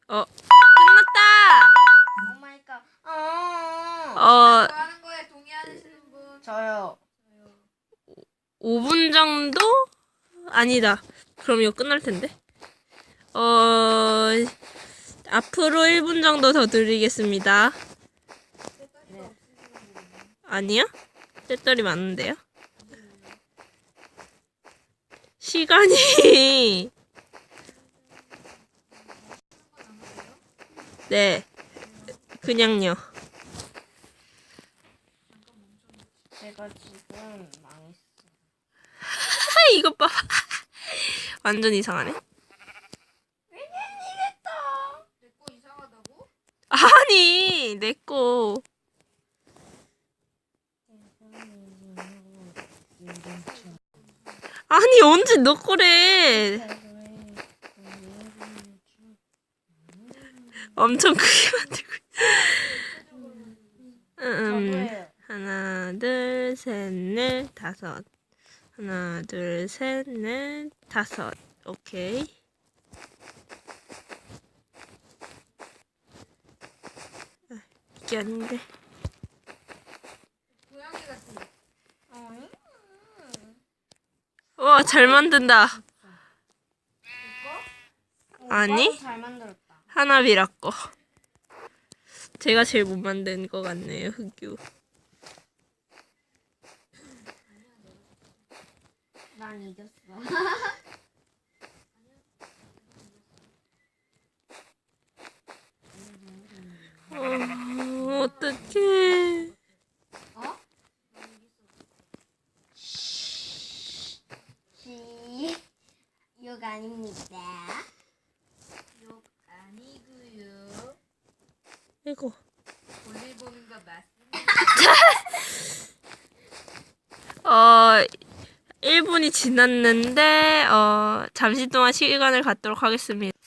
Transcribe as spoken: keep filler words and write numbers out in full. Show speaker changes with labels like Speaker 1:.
Speaker 1: 어, 끝났다!
Speaker 2: 오 마이 갓. 어.
Speaker 1: 어,
Speaker 3: 뭐 하는 거에 동의하시는 분?
Speaker 2: 저요.
Speaker 1: 오 분 정도? 아니다. 그럼 이거 끝날 텐데. 어, 앞으로 일 분 정도 더 드리겠습니다.
Speaker 2: 네.
Speaker 1: 아니요? 배터리 많은데요? 시간이. 네. 그냥요.
Speaker 2: 제가 지금 망했어.
Speaker 1: 하, 이것 봐. 완전 이상하네.
Speaker 3: 내 거 이상하다고?
Speaker 1: 아니, 내 거. 아니, 언제 너 거래. 엄청 크게 만들고 있어. 음,
Speaker 2: 저도예요.
Speaker 1: 하나, 둘, 셋, 넷, 다섯. 하나, 둘, 셋, 넷, 다섯. 오케이. 아, 이게 아닌데.
Speaker 3: 고양이 같은 거.
Speaker 2: 어?
Speaker 1: 와, 잘 만든다.
Speaker 2: 이거?
Speaker 1: 아니?
Speaker 2: 오빠도 잘 만들었다.
Speaker 1: 하나비라 거. 제가 제일 못 만든 것 같네요, 흑유.
Speaker 2: 난 이겼어.
Speaker 1: 어, 어떡해.
Speaker 2: 어? 시. 욕 아닙니다.
Speaker 3: 욕 아니고요.
Speaker 1: 이거.
Speaker 3: 볼일 보는 거 맞습니다.
Speaker 1: 어, 일 분이 지났는데, 어, 잠시 동안 시간을 갖도록 하겠습니다.